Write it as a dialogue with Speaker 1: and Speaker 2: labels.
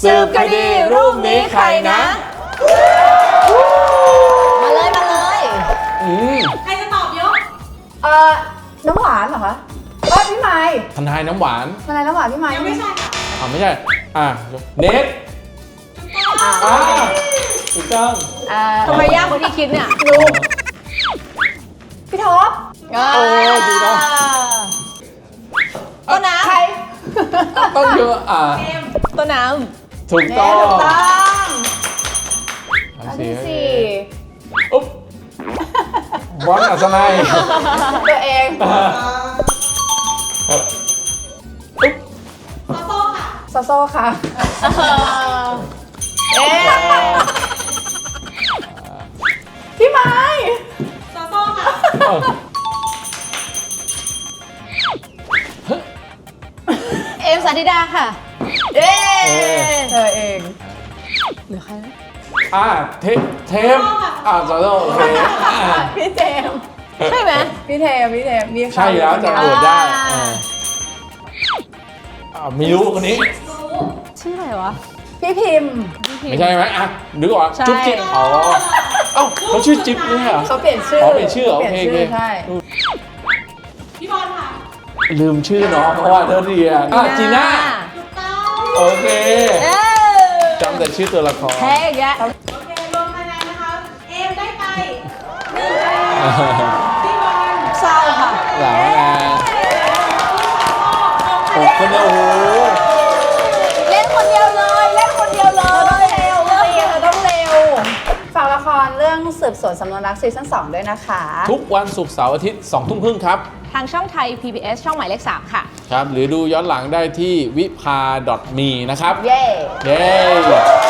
Speaker 1: สืบคดีรูปนี้ใครนะ
Speaker 2: มาเลยมาเลย
Speaker 3: ใครจะตอบยก
Speaker 4: น้ำหวานเหรอคะพี่ไม้
Speaker 1: ทนายน้ำหวาน
Speaker 4: ทนายน้ำหวานพี่ไม้
Speaker 3: ยังไม่ใช่ค่ะ
Speaker 1: ไม่ใช่เนทถูกต้อง
Speaker 2: ทำไมยากกว่าที่คิดเนี่ย
Speaker 4: ลุงพี่ท็อป
Speaker 1: โอ้ถูกต้อง
Speaker 2: ต้นน้
Speaker 4: ใคร
Speaker 1: ต้องเยอะ
Speaker 2: ำต้นน้
Speaker 1: ถูก
Speaker 4: เน
Speaker 1: ต้อง
Speaker 4: ถูกต้อง
Speaker 1: อัน
Speaker 4: อัน
Speaker 1: ที่
Speaker 4: ที่
Speaker 1: สี่
Speaker 4: สี่
Speaker 1: อุ๊บวอนอัศนัย
Speaker 4: ตัวเอง
Speaker 1: อุ๊บ
Speaker 3: โซโซ่ค่ะ
Speaker 4: โซโซ่ค่ะ
Speaker 2: ำเอ๊ะ
Speaker 4: พี่ไม้
Speaker 3: โซโซ่ค่ะ
Speaker 2: เอมสาธิดาค่ะเอ๊
Speaker 4: เธอเอง
Speaker 2: เหลือใครนะ
Speaker 1: เทมสอโอเค
Speaker 4: พี่เจมส์
Speaker 2: ใช่ไหม
Speaker 4: พี่เทมมี
Speaker 1: ใช่แล้วจะโหวตได้ไม่รู้คนนี้
Speaker 2: ชื่ออะไรวะ
Speaker 4: พี่พิมพ์
Speaker 1: ไม่ใช่ไหมนึกออก
Speaker 2: ใช่
Speaker 1: จุ๊บจิ๊บเอ้าเขาชื่อจิ๊บเนี่ยเหรอ
Speaker 4: เขาเปลี่ยนชื่อ
Speaker 1: เปลี่ยนชื่อโอเค
Speaker 4: ใช่
Speaker 3: พี่บอลค่ะ
Speaker 1: ลืมชื่อน้องเพราะว่าเธอเรียนจีน่า
Speaker 3: ถูกต้อง
Speaker 1: โอเค
Speaker 2: เอ๊ะ
Speaker 1: จำแต่ชื่อตัวละคร
Speaker 2: แพ้อีกแล้ว
Speaker 3: โอเครวมคะแนนนะคะ เอมได้ไป1 คะแนนพี่บอล
Speaker 2: เศร้าค่ะ
Speaker 1: หลาวนะ6 คนเนี่ยโอ้โห
Speaker 2: เล่นคนเดียวเลยเล่นคนเดียวเล
Speaker 4: เธอต้องเร็วฝากละครเรื่องสืบสวนสำนวนรักซีซั่น2ด้วยนะคะ
Speaker 1: ทุกวันศุกร์เสาร์อาทิตย์2 ทุ่มครึ่งครับ
Speaker 2: ทางช่องไทย PBS ช่องหมายเลข 3 ค่ะ
Speaker 1: ครับ หรือดูย้อนหลังได้ที่วิภา .me นะครับ
Speaker 4: เย้
Speaker 1: เย้